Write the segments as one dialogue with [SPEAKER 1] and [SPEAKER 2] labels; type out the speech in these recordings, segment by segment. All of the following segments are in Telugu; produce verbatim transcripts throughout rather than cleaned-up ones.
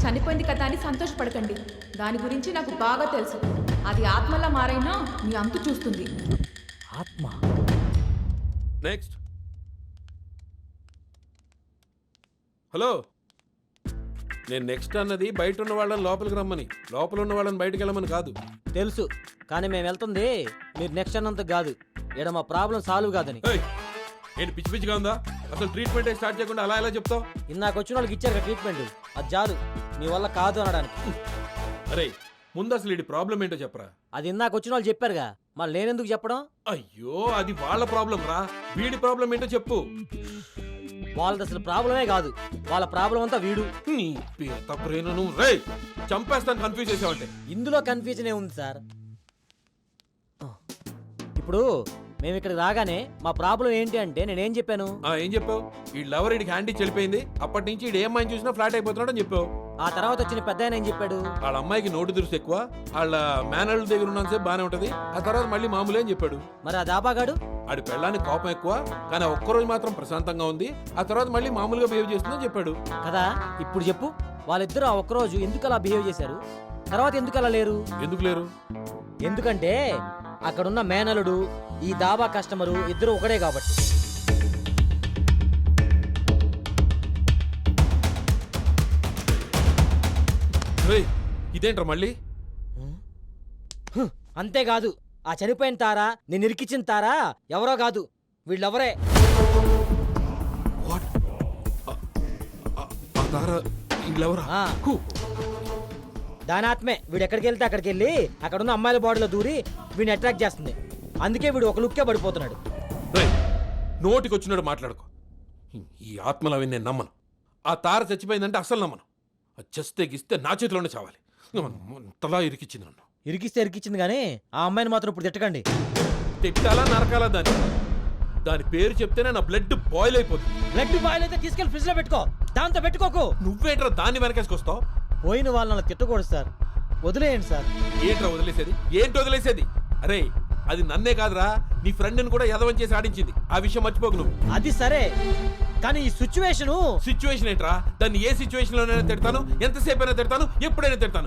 [SPEAKER 1] చనిపోయింది కదా అని సంతోషపడకండి. దాని గురించి నాకు బాగా తెలుసు. అది ఆత్మలా మారైనా మీ అంతు చూస్తుంది.
[SPEAKER 2] ఆత్మ.
[SPEAKER 3] నెక్స్ట్. హలో, నేను నెక్స్ట్ అన్నది బయట ఉన్న వాళ్ళని లోపలికి రమ్మని, లోపల ఉన్న వాళ్ళని బయటకు వెళ్ళమని కాదు.
[SPEAKER 2] తెలుసు, కానీ మేము వెళ్తుంది మీరు నెక్స్ట్ అన్నంత కాదు. ఇక్కడ మా ప్రాబ్లం సాల్వ్ కాదని.
[SPEAKER 3] ఏంటి పిచ్చి పిచ్చిగా ఉందా? అసలు ట్రీట్మెంట్ స్టార్ట్ చేయకుండా అలా ఎలా చెప్తావు?
[SPEAKER 2] ఇందాక వచ్చిన వాళ్ళకి ఇచ్చారు ట్రీట్మెంట్, అది చాలు మీ వల్ల కాదు అనడానికి.
[SPEAKER 3] అరే ముందు అసలు ఇది ప్రాబ్లం ఏంటో చెప్పరా.
[SPEAKER 2] అది ఇందాక వచ్చిన వాళ్ళు చెప్పారుగా, మళ్ళీ నేనెందుకు చెప్పడం?
[SPEAKER 3] అయ్యో అది వాళ్ళ ప్రాబ్లం రా, వీడి ప్రాబ్లం ఏంటో చెప్పు.
[SPEAKER 2] వాళ్ళది అసలు ప్రాబ్లమే కాదు, వాళ్ళ ప్రాబ్లం అంతా వీడు.
[SPEAKER 3] చంపేస్తాను కన్ఫ్యూజ్ చేసావంటే.
[SPEAKER 2] ఇందులో కన్ఫ్యూజన్ ఏ ఉంది సార్. ఇప్పుడు మేము ఇక్కడికి రాగానే మా ప్రాబ్లం ఏంటి అంటే నేనేం చెప్పాను?
[SPEAKER 3] ఏం చెప్పావు? ఈ లవర్ ఇడికి హ్యాండీ చెడిపోయింది, అప్పటి నుంచి ఇడు ఏమైనా చూసినా ఫ్లాట్ అయిపోతున్నాడు అని చెప్పావు.
[SPEAKER 2] ఆ తర్వాత వచ్చిన పెద్ద ఆయన ఏం చెప్పాడు?
[SPEAKER 3] వాళ్ళ అమ్మాయికి నోటు దురుసు ఎక్కువ, వాళ్ళ మేనల్ దగ్గర ఉన్నంతసేపు బానే ఉంటది, ఆ తర్వాత మళ్ళీ మామూలే అని చెప్పాడు.
[SPEAKER 2] మరి ఆ దాబాగాడు?
[SPEAKER 3] ఆడి పెళ్ళానికి కోపం ఎక్కువ, కానీ ఒక్కరోజు మాత్రం ప్రశాంతంగా ఉంది, ఆ తర్వాత మళ్ళీ మామూలుగా బిహేవ్ చేస్తుందని చెప్పాడు
[SPEAKER 2] కదా. ఇప్పుడు చెప్పు, వాళ్ళిద్దరూ ఆ ఒక్కరోజు ఎందుకు అలా బిహేవ్ చేశారు, తర్వాత ఎందుకు అలా లేరు?
[SPEAKER 3] ఎందుకు లేరు?
[SPEAKER 2] ఎందుకంటే అక్కడున్న మేనలుడు ఈ దాబా కస్టమరు ఇద్దరు ఒకడే కాబట్టి.
[SPEAKER 3] ఇదేంట్రా మళ్ళీ?
[SPEAKER 2] అంతేకాదు, ఆ చనిపోయిన తారా నేను ఇరికిచ్చిన తారా ఎవరో కాదు, వీళ్ళెవరే. దాని ఆత్మే వీడు ఎక్కడికి వెళ్తే అక్కడికి వెళ్ళి అక్కడున్న అమ్మాయిల బాడీలో దూరి వీడిని అట్రాక్ట్ చేస్తుంది. అందుకే వీడు ఒక లుక్కే పడిపోతున్నాడు.
[SPEAKER 3] నోటికి వచ్చినాడు మాట్లాడుకో. ఈ ఆత్మలు అవి నేను నమ్మను. ఆ తార చచ్చిపోయిందంటే అసలు నమ్మను. చస్తే గిస్తే నా చేతిలోనే చావాలి. తలా ఇరికిచ్చింది నన్ను.
[SPEAKER 2] ఇరికిస్తే ఇరికిచ్చింది కానీ ఆ అమ్మాయిని మాత్రం ఇప్పుడు తిట్టకండి.
[SPEAKER 3] తిట్టాలా నరకాలా దాన్ని? దాని పేరు చెప్తేనే నా బ్లడ్ బాయిల్ అయిపోతుంది.
[SPEAKER 2] బ్లడ్ బాయిల్ అయితే తీసుకెళ్లి ఫ్రిడ్జ్ లో పెట్టుకో, దాంతో పెట్టుకోకు.
[SPEAKER 3] నువ్వేంట్రా దాన్ని వెనకేసుకొస్తావు?
[SPEAKER 2] పోయిన వాళ్ళని తిట్టకూడదు సార్, వదిలేయండి సార్.
[SPEAKER 3] ఏంట్రా వదిలేసేది? ఏంటి వదిలేసేది? అరే అది నన్నే కాదురా, నీ ఫ్రెండ్ని కూడా యదవం చేసి ఆడించింది. ఆ విషయం మర్చిపోకు నువ్వు.
[SPEAKER 2] అది సరే, కానీ ఈ సిచ్యువేషన్
[SPEAKER 3] సిచ్యువేషన్ ఏంట్రా? దాన్ని ఏ సిచ్యువేషన్ లోనైనా తిడతాను, ఎంతసేపు అయినా తిడతాను, ఎప్పుడైనా తిడతాను.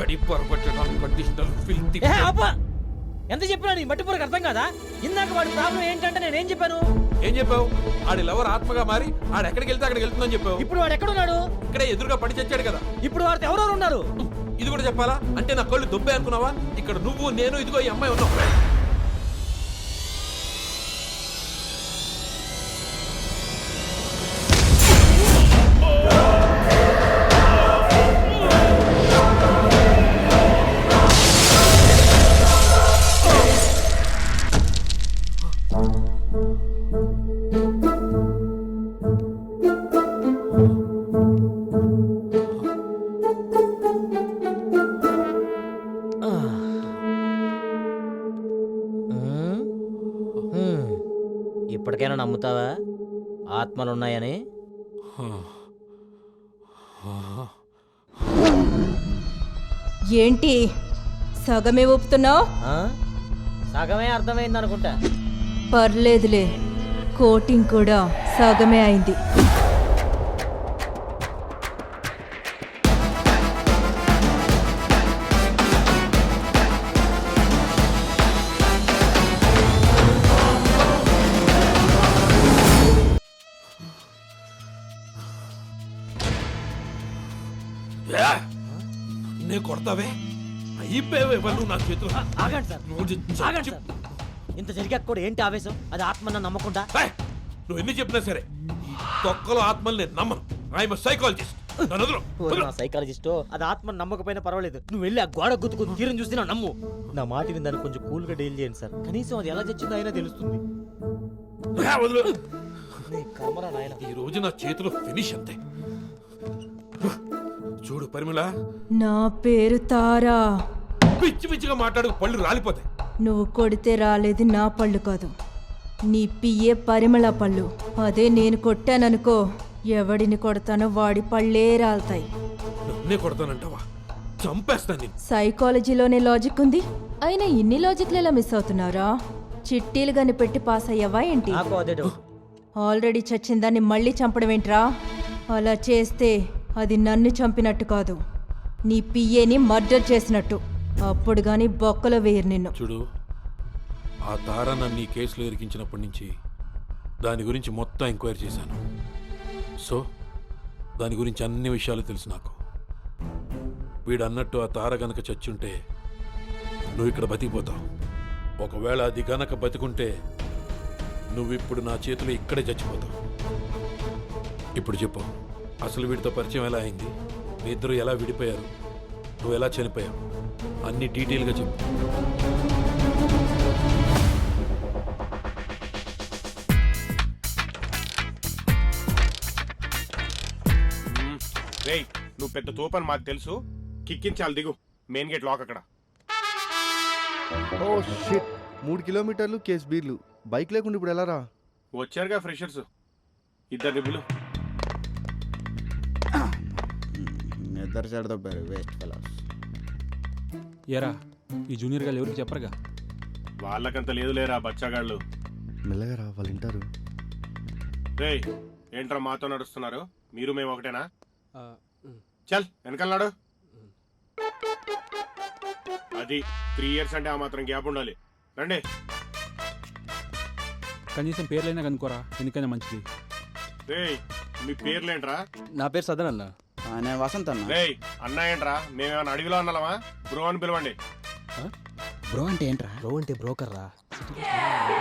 [SPEAKER 2] ఎంత చెప్పినా నీ మట్టి పూరకు అర్థం కాదా? ఇందాక వాడి ప్రాబ్లం ఏంటంటే నేనేం చెప్పాను?
[SPEAKER 3] ఏం చెప్పావు? ఆడి లవర్ ఆత్మగా మారి ఆడు ఎక్కడికి వెళ్తే అక్కడికి వెళ్తుందని చెప్పావు.
[SPEAKER 2] ఇప్పుడు వాడు ఎక్కడున్నాడు?
[SPEAKER 3] ఇక్కడే ఎదురుగా పడి చచ్చాడు కదా.
[SPEAKER 2] ఇప్పుడు వాడితో ఎవరెవరు ఉన్నారు?
[SPEAKER 3] ఇది కూడా చెప్పాలా? అంటే నా కళ్ళు దుబ్బే అనుకున్నావా? ఇక్కడ నువ్వు నేను ఇదిగో ఈ అమ్మాయి ఉన్నావు.
[SPEAKER 2] ఇప్పటికైనా నమ్ముతావా ఆత్మలున్నాయని?
[SPEAKER 1] ఏంటి సగమే ఊపుతున్నావు?
[SPEAKER 2] సగమే అర్థమైంది అనుకుంటా.
[SPEAKER 1] పర్లేదులే, కోటింగ్ కూడా సగమే అయింది.
[SPEAKER 3] కొడతావే అయిపోయావే వాళ్ళు నా చేతులు.
[SPEAKER 2] ఆగండి సార్, ఆగండి సార్. ఇంత జరిగాక కూడా ఏంటి ఆవేశం? అది ఆత్మన్న నమ్మకుండా.
[SPEAKER 3] నువ్వు ఎన్ని చెప్పినా సరే ఈ తొక్కలో ఆత్మల్ని నేను నమ్మను. I'm psychologist.
[SPEAKER 2] సైకాలజిస్టో అది ఆత్మను నమ్మకపోయినా పర్వాలేదు, నువ్వు వెళ్ళి ఆ గోడ గుర్తుకుని తీరం చూస్తే నా నమ్ము. నా మాట విందని కొంచెం కూల్ గా డీల్ చేయండి సార్. కనీసం అది ఎలా చచ్చిందో అయినా తెలుస్తుంది.
[SPEAKER 3] ఈ రోజు నా చేతిలో ఫినిష్ అంతే. చూడు పరిమళ,
[SPEAKER 1] నా పేరు తారా.
[SPEAKER 3] పిచ్చి పిచ్చిగా మాట్లాడు, పళ్ళు రాలిపోతాయి.
[SPEAKER 1] నువ్వు కొడితే రాలేది నా పళ్ళు కాదు, నీ పియ్యే పరిమళ పళ్ళు. అదే నేను కొట్టాననుకో, ఎవడిని కొడతానో వాడి పళ్ళే రాలుతాయి.
[SPEAKER 3] నన్నే కొడతానంటావా? చంపేస్తాను.
[SPEAKER 1] సైకాలజీలోనే లాజిక్ ఉంది, అయినా ఇన్ని లాజిక్లు ఎలా మిస్ అవుతున్నారా? చిట్టీలు గని పెట్టి పాస్ అయ్యావా ఏంటి?
[SPEAKER 2] నాకు అదే డౌట్.
[SPEAKER 1] ఆల్రెడీ చచ్చిందాన్ని మళ్ళీ చంపడం ఏంట్రా? అలా చేస్తే అది నన్ను చంపినట్టు కాదు, నీ పిఏని మర్డర్ చేసినట్టు. అప్పుడు గాని బొక్కలో వేయరు నిన్ను.
[SPEAKER 3] చూడు, ఆ తార నన్ను ఈ కేసులో ఇరికించినప్పటి నుంచి దాని గురించి మొత్తం ఎంక్వైరీ చేశాను. సో దాని గురించి అన్ని విషయాలు తెలుసు నాకు. వీడు అన్నట్టు ఆ తార గనక చచ్చుంటే నువ్వు ఇక్కడ బతికిపోతావు. ఒకవేళ అది గనక బతికుంటే నువ్విప్పుడు నా చేతిలో ఇక్కడే చచ్చిపోతావు. ఇప్పుడు చెప్పు, అసలు వీడితో పరిచయం ఎలా అయింది? మీ ఇద్దరు ఎలా విడిపోయారు? నువ్వు ఎలా చనిపోయావు? అన్ని డీటెయిల్గా చెప్పు.
[SPEAKER 4] రేయ్, నువ్వు పెద్ద తోపని మాకు తెలుసు. కిక్కించాలి, దిగు. మెయిన్ గేట్ లాక్ అక్కడ.
[SPEAKER 5] ఓ షిట్, మూడు కిలోమీటర్లు కేస్ బీర్లు. బైక్ లేకుండా ఇప్పుడు ఎలా రా?
[SPEAKER 4] వచ్చారుగా ఫ్రెషర్స్, ఇద్దరు బిల్లు.
[SPEAKER 6] ఇద్దరు సైడ్ దొబ్బారు వేస్ట్ ఫెలోస్.
[SPEAKER 7] ఏరా, ఈ జూనియర్ గారు ఎవరికి చెప్పరుగా?
[SPEAKER 4] వాళ్ళకంత లేదు లేరా బచ్చాగాళ్ళు.
[SPEAKER 5] మెల్లగా రా, వాళ్ళు వింటారు.
[SPEAKER 4] రేయ్, ఏంట్రా మాతో నడుస్తున్నారు? మీరు మేము ఒకటేనా? చల్ వెనకాలనాడు. అది త్రీ ఇయర్స్ అంటే ఆ మాత్రం గ్యాప్ ఉండాలి. రండి.
[SPEAKER 7] కనీసం పేర్లైనా కనుకోరా, ఎందుకైనా మంచిది.
[SPEAKER 4] రేయ్, మీ పేర్లేంట్రా?
[SPEAKER 8] నా పేరు సదన్ అన్న.
[SPEAKER 6] నేను వసంత్ అన్న.
[SPEAKER 4] రేయ్, అన్నా ఏంట్రా? మేమేమన్నా అడవిలో అన్నామా? బ్రో అని పిలవండి.
[SPEAKER 6] బ్రో అంటే ఏంట్రా?
[SPEAKER 8] బ్రో అంటే బ్రోకర్ రా.